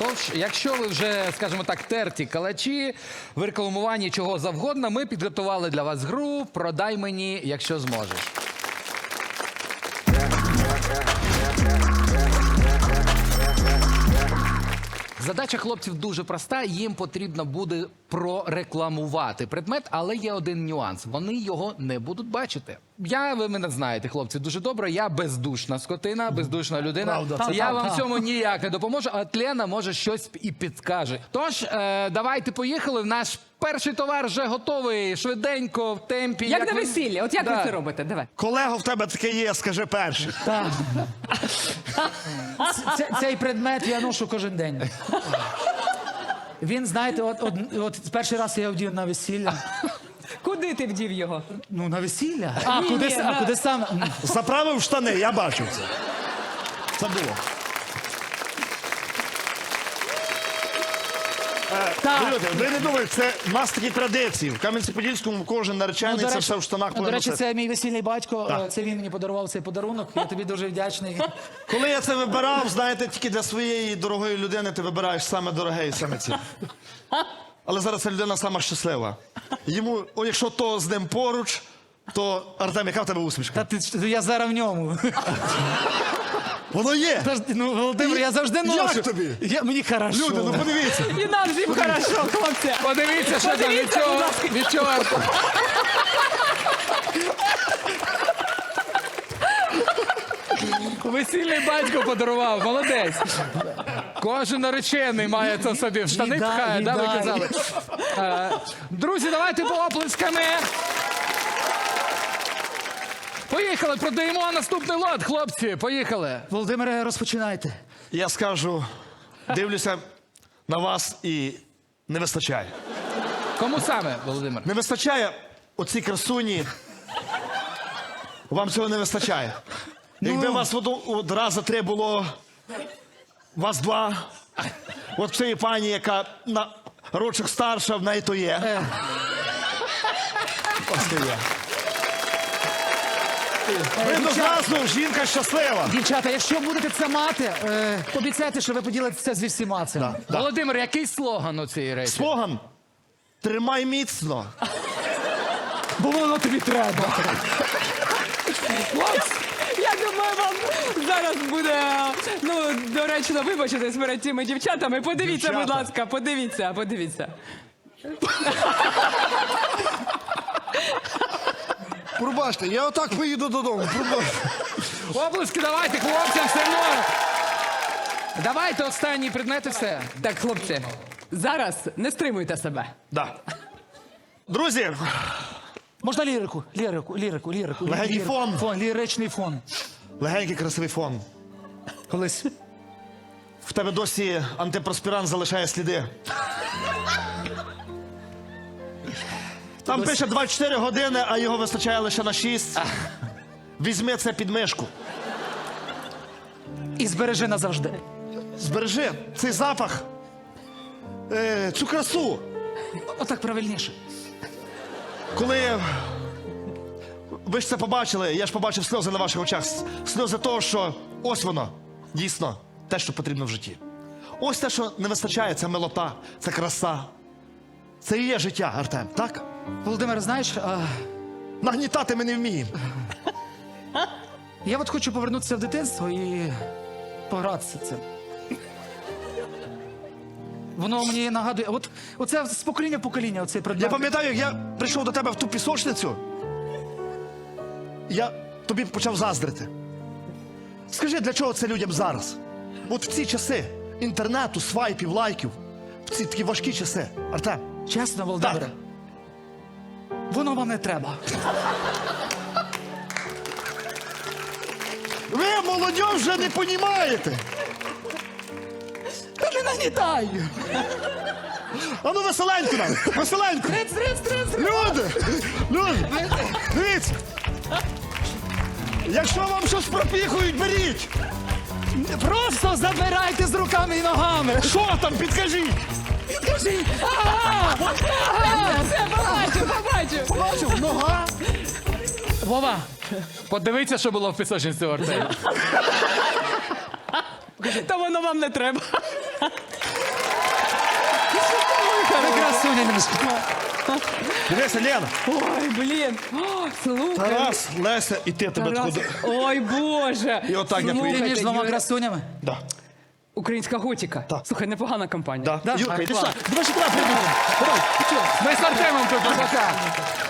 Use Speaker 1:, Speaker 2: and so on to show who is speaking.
Speaker 1: Тож, якщо ви вже, скажімо так, терті калачі, в рекламуванні чого завгодно, ми підготували для вас гру «Продай мені, якщо зможеш». Задача хлопців дуже проста, їм потрібно буде прорекламувати предмет, але є один нюанс. Вони його не будуть бачити. Ви мене знаєте, хлопці, дуже добре. Я бездушна скотина, бездушна людина.
Speaker 2: Правда, це
Speaker 1: я
Speaker 2: так,
Speaker 1: вам
Speaker 2: так.
Speaker 1: в цьому ніяк не допоможу, а Лена може щось і підскаже. Тож, давайте поїхали. Наш перший товар вже готовий, швиденько, в темпі.
Speaker 3: Як на
Speaker 1: ви-
Speaker 3: весіллі, от як
Speaker 1: Да.
Speaker 3: ви це робите? Давай.
Speaker 2: Колего, в тебе таке є, скажи перший.
Speaker 4: Так. Цей предмет я ношу кожен день. Він, знаєте, от перший раз я його вдів на весілля.
Speaker 3: Куди ти вдів його?
Speaker 4: Ну, на весілля.
Speaker 3: Ні,
Speaker 4: Куди сам?
Speaker 2: Заправив штани, я бачив це. Це було.
Speaker 4: Так.
Speaker 2: Люди, ви не думаєте, це в нас такі традиції. В Кам'янці-Подільському кожен наречений, це все в штанах
Speaker 4: до
Speaker 2: повинно
Speaker 4: речі,
Speaker 2: носити.
Speaker 4: це мій весільний батько.
Speaker 2: Так.
Speaker 4: Це він мені подарував цей подарунок. Я тобі дуже вдячний.
Speaker 2: Коли я це вибирав, знаєте, тільки для своєї дорогої людини ти вибираєш саме дороге і саме ці. Але зараз ця людина сама щаслива. Йому, якщо то з ним поруч, то Артем, яка в тебе усмішка?
Speaker 4: Я зараз в ньому.
Speaker 2: Воно є!
Speaker 4: Ну, Володимир, я завжди ношу.
Speaker 2: Як тобі?
Speaker 4: Мені хорошо.
Speaker 2: Люди, ну подивіться.
Speaker 3: І нам всім хорошо, хлопці.
Speaker 1: Подивіться, що там
Speaker 3: Подивіться, будь ласка.
Speaker 1: від чого. Весільний батько подарував, молодець. Кожен наречений має це собі в штани
Speaker 4: Віддай,
Speaker 1: пхає, да, ви
Speaker 4: віддай.
Speaker 1: казали. Друзі, давайте оплесками. Поїхали, продаємо наступний лот, хлопці, поїхали.
Speaker 4: Володимире, розпочинайте.
Speaker 2: Я скажу, дивлюся на вас і не вистачає.
Speaker 1: Кому саме, Володимир?
Speaker 2: Не вистачає оцій красуні. Вам цього не вистачає. Якби вас от рази три було, вас два. От цієї пані, яка на рочок старша, в неї то є. Ось то є. Видно зразу, жінка щаслива.
Speaker 4: Дівчата, якщо будете це мати, обіцяйте, що ви поділитеся зі всіма цим.
Speaker 2: Да.
Speaker 1: Володимир, який слоган у цієї речі?
Speaker 2: Слоган «Тримай міцно».
Speaker 4: Бо воно тобі треба.
Speaker 3: Я думаю, вам зараз буде, ну, доречно вибачитись перед цими дівчатами. Подивіться,
Speaker 2: Дівчата.
Speaker 3: будь ласка, подивіться.
Speaker 2: Пробачте, я отак поїду додому.
Speaker 1: Оплески давайте, хлопцям, все одно. Давайте останній предмет і все.
Speaker 3: Так, хлопці, зараз не стримуйте себе.
Speaker 2: Да. Друзі,
Speaker 4: Можна лірику?
Speaker 2: Легенький фон.
Speaker 4: Ліричний фон.
Speaker 2: легенький красивий фон.
Speaker 4: Колись.
Speaker 2: В тебе досі антипроспірант залишає сліди. Там пише 24 години, а його вистачає лише на 6. Візьми це під мишку.
Speaker 4: І збережи назавжди.
Speaker 2: Збережи цей запах, цю красу.
Speaker 4: Отак правильніше.
Speaker 2: Коли ви ж це побачили, я ж побачив сльози на ваших очах. Сльози того, що ось воно, дійсно, те, що потрібно в житті. Ось те, що не вистачає, це милота, це краса. Це і є життя, Артем, так?
Speaker 4: Володимир, знаєш,
Speaker 2: Нагнітати ми не вміємо.
Speaker 4: я от хочу повернутися в дитинство і погратися цим. Воно мені нагадує, оце з покоління в покоління, оцей
Speaker 2: Я
Speaker 4: предмет.
Speaker 2: пам'ятаю, як я прийшов до тебе в ту пісочницю, я тобі почав заздрити. Скажи, для чого це людям зараз? От в ці часи інтернету, свайпів, лайків, в ці такі важкі часи. Артем,
Speaker 4: Чесно, Володимире,
Speaker 2: Так.
Speaker 4: воно вам не треба.
Speaker 2: ви, молодь, вже не понімаєте.
Speaker 4: Та не нагнітай!
Speaker 2: А ну веселенько нам, веселенько. Люди, дивіться. Якщо вам щось пропіхують, беріть.
Speaker 4: Просто забирайте з руками і ногами!
Speaker 2: Що там, підкажіть.
Speaker 4: Підкажіть!
Speaker 3: Все, побачу.
Speaker 2: Бачив, нога.
Speaker 1: Вова, подивіться, що було в пісочниці у Артемі.
Speaker 3: Та воно вам не треба.
Speaker 4: змінимося.
Speaker 2: Дивися, Лена.
Speaker 3: Ой, блін. О, слухай.
Speaker 2: Тарас, Леся і ти тебе
Speaker 3: Тарас.
Speaker 2: туди.
Speaker 3: Ой, Боже.
Speaker 2: І отак я
Speaker 3: Слухайте,
Speaker 2: поїду.
Speaker 4: Ти між двома
Speaker 3: Юра,
Speaker 4: красунями.
Speaker 2: Да.
Speaker 3: Українська готіка.
Speaker 2: Так.
Speaker 3: Слухай, непогана компанія.
Speaker 2: Да.
Speaker 4: Да,
Speaker 2: Юрка,
Speaker 4: так,
Speaker 2: іди
Speaker 4: клас.
Speaker 2: сюди. Давай сюди, давай.
Speaker 1: Ми з Артемом тут, пока.